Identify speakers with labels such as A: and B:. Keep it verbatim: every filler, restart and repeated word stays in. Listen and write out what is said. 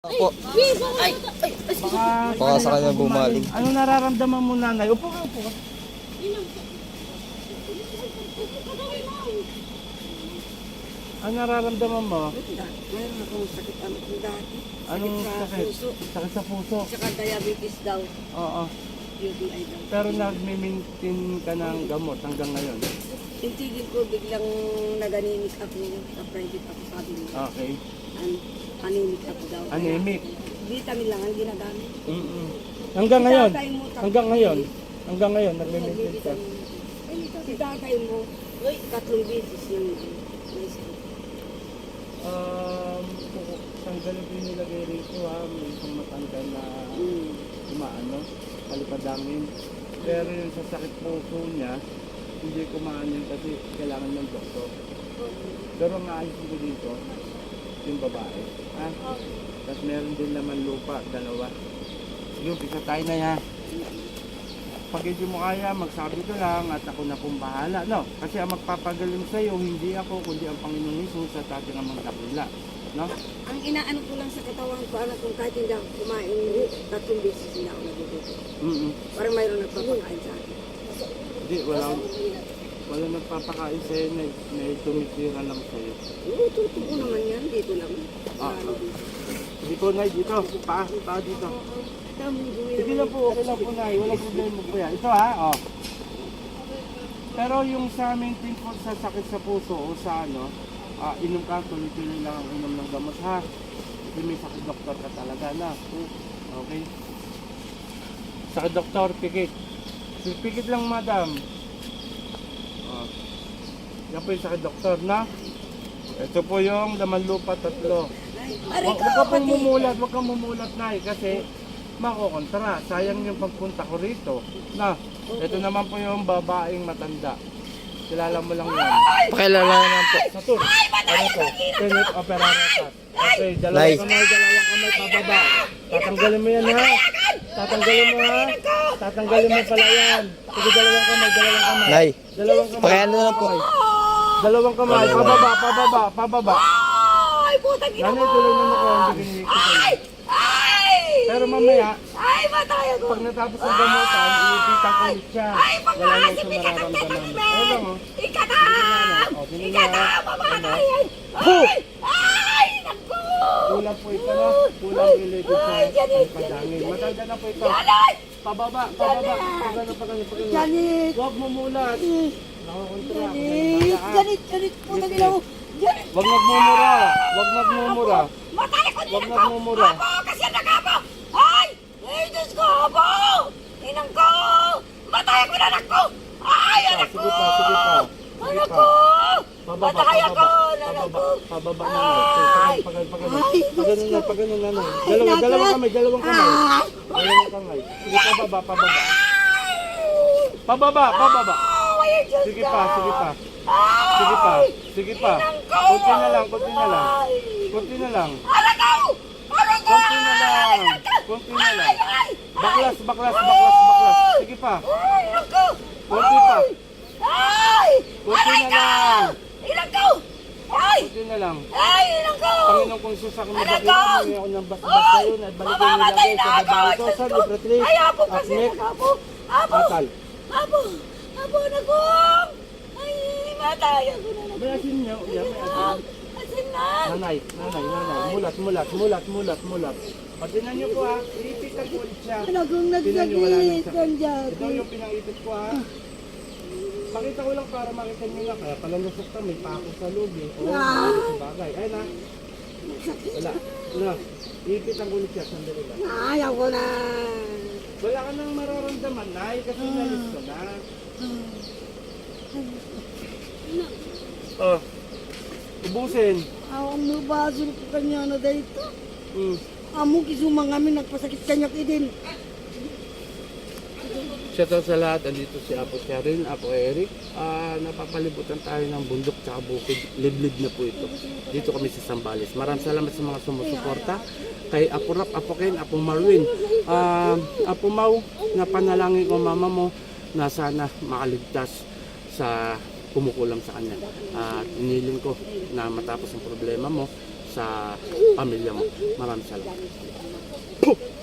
A: Po.
B: Ay, ay, ay,
C: Baka,
A: Baka sa kanya bumaling.
C: Ano nararamdaman mo, nanay? Upo ka, upo ka. Ano nararamdaman mo?
B: mayroon akong sakit ang dati.
C: Anong
B: sa
C: sakit?
B: puso.
C: Sakit sa puso.
B: Saka diabetes daw.
C: Oo.
B: U T I daw.
C: Pero nag-maintain ka ng gamot hanggang ngayon.
B: Tintigil ko, biglang naganinik ako sa private ako, sabi niya.
C: Okay.
B: An anemic ako daw. Kaya
C: Anemic.
B: vitamin lang ang ginagamit.
C: Mm-mm. Hanggang ngayon?
B: Si tatay mo, tatlong
C: Hanggang ngayon?
B: beses.
C: Hanggang ngayon, nag-maintain ka?
B: Nagbibitamin. Si tatay mo, tatlong beses yung may sakit.
C: Um, tanggalin ko yung nilagay rito ha. May isang matanggal na
B: Mm.
C: umaano, palipadangin. Pero yung sa sakit puso niya, hindi ko maanin kasi kailangan ng doktor. Pero ang aayos ko dito, yung babae. Ha? Tapos meron din naman lupa, dalawa. Sige, umpisa tayo na ya. Pag hindi mo kaya, magsabi ka lang at ako na pong bahala. No? Kasi ang magpapagaling sa'yo, hindi ako, kundi ang Panginoon Jesus at ating amang dakila. No?
B: Ang inaano ko lang sa katawan ko, anak kung kahit hindi ako kumain, tatlong beses hindi ako nagugutom.
C: Mm-mm.
B: Parang mayroon nagpapakain sa akin.
C: Hindi, wala, wala nagpapakain sa'yo na, na tumitira lang sa'yo.
B: Oo, totoo naman yan. Dito lang.
C: Ah,
B: Ano
C: ah.
B: dito.
C: Dito, Nay, dito. Pa, pa dito.
B: Dami, gawin
C: Sige
B: naman.
C: lang po, okay lang po, Nay. Walang problema po yan. Ito ha, oh. Pero yung sa maintain po sa sakit sa puso o sa ano, ah, inom ka, tuloy-tuloy lang ang inom ng gamot ha. Kasi may sakit doktor ka talaga na. Okay? Sakit doktor, pikit. Pikit lang, madam. Oh. Yan po yung sakit doktor na. Ito po yung laman lupa tatlo.
B: Aray
C: Wag
B: ko,
C: wag ka pong
B: pati.
C: mumulat, wag kang mumulat na kasi makokontra. Sayang yung pagpunta ko rito. Na, ito naman po yung babaeng matanda. Kilala mo lang yan.
A: Pakilala naman po.
C: Sa tour. Ano to? Tenit operator. Okay, dalawang
A: Live.
C: kamay, dalawang kamay pababa. Tatanggalin mo yan ha. Tatanggalin mo ha. Tatanggalin mo pala yan. Sige, dalawang kamay, dalawang kamay.
A: Nay,
C: Dalawang kamay.
A: pakilala naman po.
C: Dalawang kamay, pababa, pababa, pababa.
B: Ay, putang ina
C: Nanay,
B: mo!
C: tuloy na ako. Hindi kinikita ko.
B: Ay! Ay!
C: Pero mamaya,
B: Ay, matay ako!
C: pag natapos ang gamutan, iipitan ko ulit siya.
B: Ay,
C: Wala na
B: pagkakas,
C: siyang
B: hindi ka kang
C: mararamdaman.
B: tatamin!
C: Ayun lang oh.
B: Ikatam!
C: O, tingnan niya.
B: Ikatam! Mamatay! Ay!
C: Ho!
B: Ay! Ay! Naku!
C: Kulang po ito no? Kulang related sa
B: Ay, Janet,
C: padangin.
B: Janet,
C: Matanda na po ito.
B: Janet!
C: Pababa, pababa. Pagano, pagano, pagano.
B: Janet!
C: Huwag mumulat. Nakakontra.
B: Janet! Janet! Janet! Putang ina mo! Janet!
C: Huwag nagmumura. Huwag nagmumura.
B: Matay ko
C: Huwag
B: din
C: nagmumura.
B: Apo! Kasi nag-apo! Ay! Ay, Diyos ko! Apo! Inang ko! Matay ko na anak ko! Ay, anak ko!
C: Sige pa, sige pa. Sige
B: Anak
C: pa.
B: ko!
C: Pababa,
B: Matay ako!
C: pababa.
B: Anak ko!
C: Pababa, pababa na.
B: Ay!
C: Pagano, pagano.
B: Ay,
C: Pagano na, pagano na. na. Dalawang, dalawang kamay, dalawang kamay.
B: Ay!
C: Dalawang kamay. Sige, pababa, pababa. Pababa, pababa.
B: Ay, Diyos
C: Sige
B: ko!
C: pa, sige pa.
B: Ay!
C: Sige pa, sige pa.
B: Inang ko!
C: Kunti na lang, kunti na lang.
B: Ay!
C: Kunti na lang.
B: Anak ko! Anak ko!
C: Kunti na lang. Kunti na lang.
B: Ay! Ay!
C: Baklas, baklas, baklas, baklas. Sige pa.
B: Ay, anak ko!
C: Kunti pa.
B: Ay!
C: Kunti
B: Aray
C: na
B: ko!
C: lang.
B: Ilang ko! Ay!
C: Kunti na lang.
B: Ay, ilang ko!
C: Panginoon kong Isus, ako
B: Anak
C: nabakit
B: ko!
C: mo ako ng basbas kayo at balik ko
B: Mamamatay
C: nilagay
B: na
C: sa
B: ako!
C: babae ko
B: Diyos
C: sa
B: ko!
C: libre three.
B: Ay, apo kasi!
C: Aknek,
B: Apo! Apo!
C: atal.
B: Apo! Apo, anak ko! Ay, matay ako na anak
C: May
B: ko!
C: asin niyo. Yan, may
B: Ah,
C: asin.
B: asin na!
C: Nanay, nanay, nanay. Mulat, mulat, mulat, mulat, mulat. Pag tinan niyo po ha, iipitan ko ulit siya.
B: Anak kong
C: Tingnan niyo, wala nang
B: nagsakit!
C: sakit.
B: Ang dati!
C: Ito yung pinangipit ko ha. Pakita ko lang para makita niyo nga. Kaya pala lusok ka, may pako sa loob eh. Oo,
B: Ah.
C: sa bagay. Ayun ha. Wala. Wala. Iipitan ko ulit siya. Sandali lang.
B: Ayaw ko na!
C: Wala ka nang mararamdaman, Nay, kasi nalis ko na. Oh. Ubusin.
B: Awang mabasol ko kanya na dito.
C: Hmm.
B: Amo kisumang kami nagpasakit kanya idin.
C: Shout out sa lahat. Andito si Apo Cheryl, Apo Eric. Ah, napapalibutan tayo ng bundok tsaka bukid. Liblib na po ito. Dito kami sa Zambales. Maraming salamat sa mga sumusuporta. Kay Apo Rap, Apo Ken, Apo Marwin. Ah, Apo Mau, napanalangin ko mama mo na sana makaligtas sa kumukulam sa kanya. At iniling ko na matapos ang problema mo, sa pamilya mo. Maraming salamat.